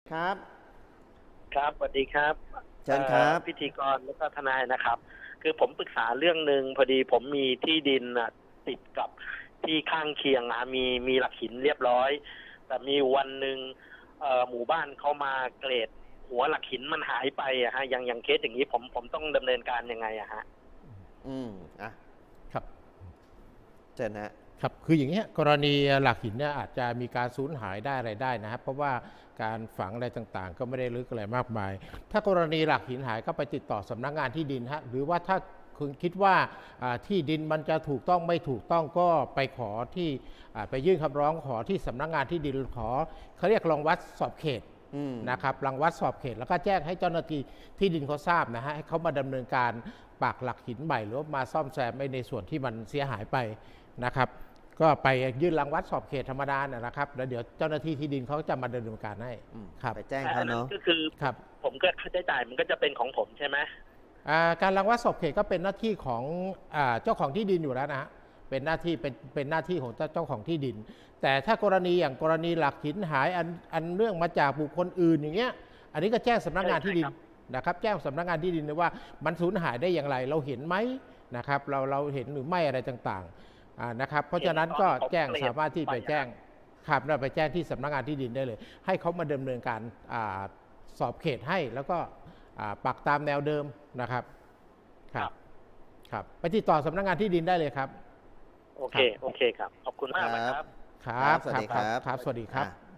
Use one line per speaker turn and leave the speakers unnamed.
ครับ
ครับสวัสดีครับ
เชิญครับ
พิธีกรแล้วก็ทนายนะครับ คือผมปรึกษาเรื่องหนึ่งพอดีผมมีที่ดินติดกับที่ข้างเคียงมีหลักหินเรียบร้อย แต่มีวันหนึ่งหมู่บ้านเขามาเกรดหัวหลักหินมันหายไปอะฮะอย่างเคสอย่างนี้ผมต้องดำเนินการยังไงอะฮะ
อืมอ่ะ
ครับ
เชิญฮะ
ครับคืออย่างเงี้ยกรณีหลักหินเนี่ยอาจจะมีการสูญหายได้อะไรได้นะครับเพราะว่าการฝังอะไรต่างๆ ก็ไม่ได้ลึกอะไรมากมาย ถ้ากรณีหลักหินหายก็ไปติดต่อสำนักงานที่ดินฮะหรือว่าถ้าคุณคิดว่าที่ดินมันจะถูกต้องไม่ถูกต้องก็ไปขอที่ไปยื่นคำร้องขอที่สำนักงานที่ดินขอเขาเรียกรองวัดสอบเขตนะครับรังวัดสอบเขตแล้วก็แจ้งให้เจ้าหน้าที่ที่ดินเขาทราบนะฮะให้เขามาดำเนินการปักหลักหินใหม่หรือว่ามาซ่อมแซมในส่วนที่มันเสียหายไปนะครับก็ไปยื่นรังวัดสอบเขตธรรมดานะครับแล้วเดี๋ยวเจ้าหน้าที่ที่ดินเขาจะมาดำเนินการให้ครับ
ไปแจ้ง
แต่อันนั้น
เขาเนาะ
ก็คือ
ครับ
ผมก็ค่าใช้จ่ายมันก็จะเป็นของผมใช่ไหม
การรังวัดสอบเขตก็เป็นหน้าที่ของเจ้าของที่ดินอยู่แล้วนะฮะเป็นหน้าที่เป็นหน้าที่ของเจ้าของที่ดินแต่ถ้ากรณีอย่างกรณีหลักหินหายอันเรื่องมาจากบุคคลอื่นอย่างเงี้ยอันนี้ก็แจ้งสำนักงานที่ดินนะครับแจ้งสำนักงานที่ดินเลยว่ามันสูญหายได้อย่างไรเราเห็นไหมนะครับเราเห็นหรือไม่อะไรต่างๆนะครับเพราะฉะนั้นก็แจ้งสามารถที่ไปแจ้งครับเราไปแจ้งที่สำนักงานที่ดินได้เลยให้เขามาดำเนินการสอบเขตให้แล้วก็ปักตามแนวเดิมนะครับครับไปติดต่อสำนักงานที่ดินได้เลยครับ
โอเคครับขอบคุณมากนะครับ
ครับ
สวัสดีครับ
ครับสวัสดีครับ